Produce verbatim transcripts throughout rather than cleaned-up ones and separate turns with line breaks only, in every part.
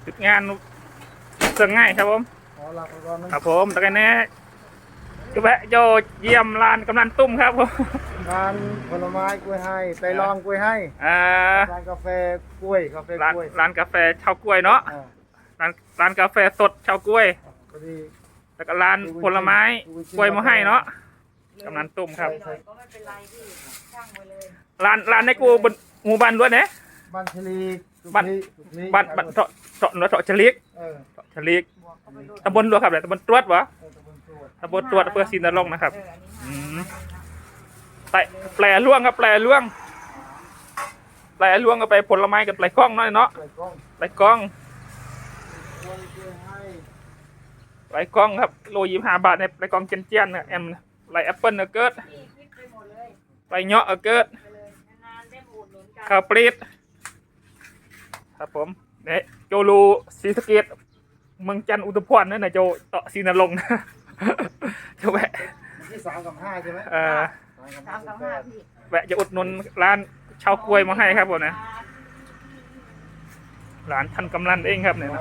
จุดงานเสื่องง่ายครับผมครับผมตะกันแน่ก็แวะโยเยี่ยมร้านกำนันตุ้มครับผม
ร้านผลไม้กล้วยให้ไปลองกล้วยให้
อ่า
ร้านกาแฟกล้วยกาแฟ
ร้าน
กล้วย
ร้านกาแฟชาวกล้วยเนาะร้านร้านกาแฟสดชาวกล้วยแล้วก็ร้านผลไม้กล้วยมาให้เนาะกำนันตุ้มครับร้านร้านในกูบนหมู่บ้านด้วยเนี่ย
บ้านชลี
บ้านบ้านบ้านเถาะเถาะเถาะชลิกเถาะชลิกตำบลรัวครับเนี่ยตำบลตรวจวะตำบลตรวจอำเภอศรีนรงค์นะครับแต่แปลล่วงครับแปลล่วงแปลล่วงก็ไปผลไม้กับแปลกล้องน้อยเนาะแปลกล้องแปลกล้องครับโลยี่สิบห้าบาทในแปลกล้องเจนเจียนเนี่ยแอมแปลแอปเปิลเกิดแปลเงาะเกิดข้าวปลีดครับผมเนี่ยโจลูศรีสะเกษเมืองจันทร์อุทุมพรนั่นนะโจต่อศรีนรงค์โจแวะ
ที่สามกับห้าใช่ไหม
เออสามกับห้าพี่แวะจะอุดหนุนร้านชาวกล้วยมาให้ครับผมนะร้านท่านกำนันเองครับเนี่ย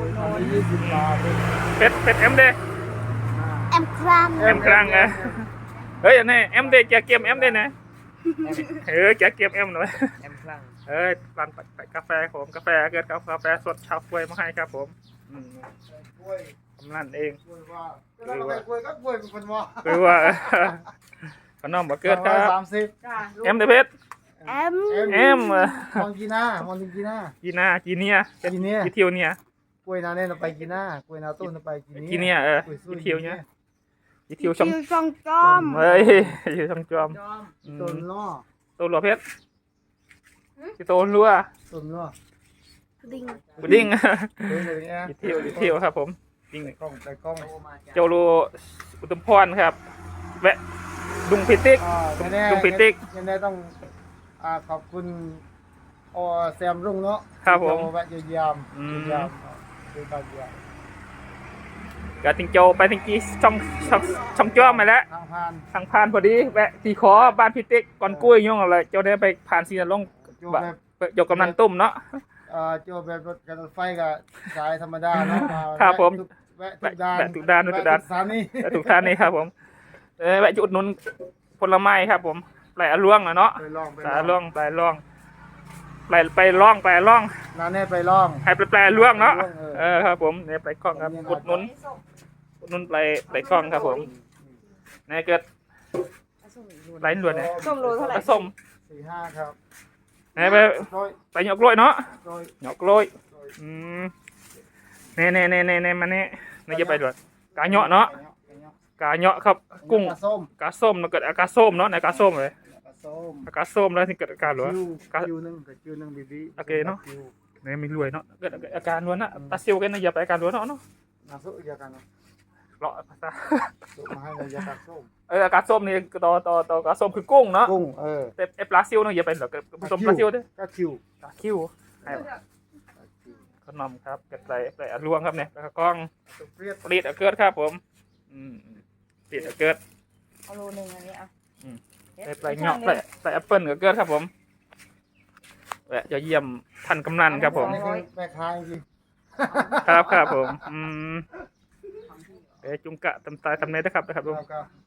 เป็ดเป็ดเอ็มเด
เอ็มครัง
เอ็มครังนะเฮ้ยนี่เอ็มเดจะเก็บเอ็มเดนะเออจะเก็บเอ็มหน่อย
เอ็มครัง
เอ้ยร้านกาแฟผมกาแฟเกิดกาแฟสดชาวกล้วยมาให้ครับผมกำนันเอง
คือว่ากล้วยก็กล้วยเป็นคนว่า
คือว่าขนมบะเกิดครับ
สามสิบ
เอ็มเดเพชร
เอ็ม
เอ็ม
มองกีน่ามองกีน่า
กีน่ากีเนีย
กีเนีย
กีเทียวเนี่ย
กล้วยนาเนี่ยเราไปกีน่ากล้วยนาต้นเราไปกีเนีย
กีเนียเออกีเทียวเนี่ยกีเทียวช่อง
ช่องจอม
เฮ้ยอยู่ช่องจอม
ต้นล้อ
ต้นลัวเพชรที่ต้นลัว
ต้นล้อ
ดิ้ง
ดิ้งกีเทียวกีเทียวครับผมดิ้ง
กล้องไปกล้อง
โจโลอุตมพรครับแวะดุงพิติกดุงพิติก
ยังได้ต้องขอบคุณอแซมรุ่งเนาะ
ครับผม
แวะเยี่ยมเยี่ยมดูตาเยี่ยม
กติงโจไปติงกี้ช่องช่องช่องจ้อมมาแล้ว
ทางผ่าน
ทางผ่านพอดีแวะตีขอบ้านพิติกก่อนกุ้ยย่องอะไรโจได้ไปผ่านซีนลงยกกำนันตุ้มเนาะ
โจแบบรถกระไฟกับสายธรรมดาเนาะ
ครับผม
แวะทุกด้าน
ทุกด้านทุกด้าน
สานนี่
ทุกท่านนี่ครับผมแวะจุดนุนผลไม้ครับผมแปลล่วงนะเนาะแปลล่วงแปลล่วงแปลไปล่องแปลล่อง
นั่นเนี่ยไปล่อง
ให้แปลแปลล่วงเนาะเออครับผมเนี่ยไปกล้องครับอุดนุนอุดนุนไปไปกล้องครับผมเนี่ยเกิดไหลหลวดเนี่ย
ส้มโลเท่าไหร่
ส้ม
สี่ห้าครับ
เนี่ยไปไปหยอกกล้วยเนาะหยอกกล้วยอืมเนี่ยเนี่ยเนี่ยเนี่ยมันเนี่ยนี่จะไปด้วยกาเนาะเนาะกาเนาะครับกุ้งกาส้มมันเกิดอาการส้มเนาะในกาส้มเลยอาการส้มแล้วที่เกิดอาการหรอกา
คิวนึงกับคิวนึงบีบี
โอเคเนาะเนี่ยมีรวยเนาะเกิดอาการล้วนนะตาซิลกันนะอย่าไปอาการล้วนเนาะเนาะ
อาสุยากันเนาะ
เลาะภาษา
มาให้เรายาการส้ม
เอออาการส้มนี่ต่อต่อต่อกาส้มคือกุ้งเนาะ
กุ้งเออ
แต่เอปลาซิลเนาะอย่าไปหรอกผสมปลาซิลด้วย
กาคิว
กาคิวขนมครับเกิดใส่ใส่ลวงครับเนี่ยกล้องปลีดเกิดครับผมอืมปลีดเกิด
เอาโลนึงอันนี้อ่ะ
ใส่ปลายเงาะใส่ใส่แอปเปิลก็เกิดครับผมแวะจะเยี่ยมท่านกำนันครับผม
แม่ค้าจริง
ครับครับผมอืมเอจุงกะตำตายทำเนยได้ครับนะครับลุง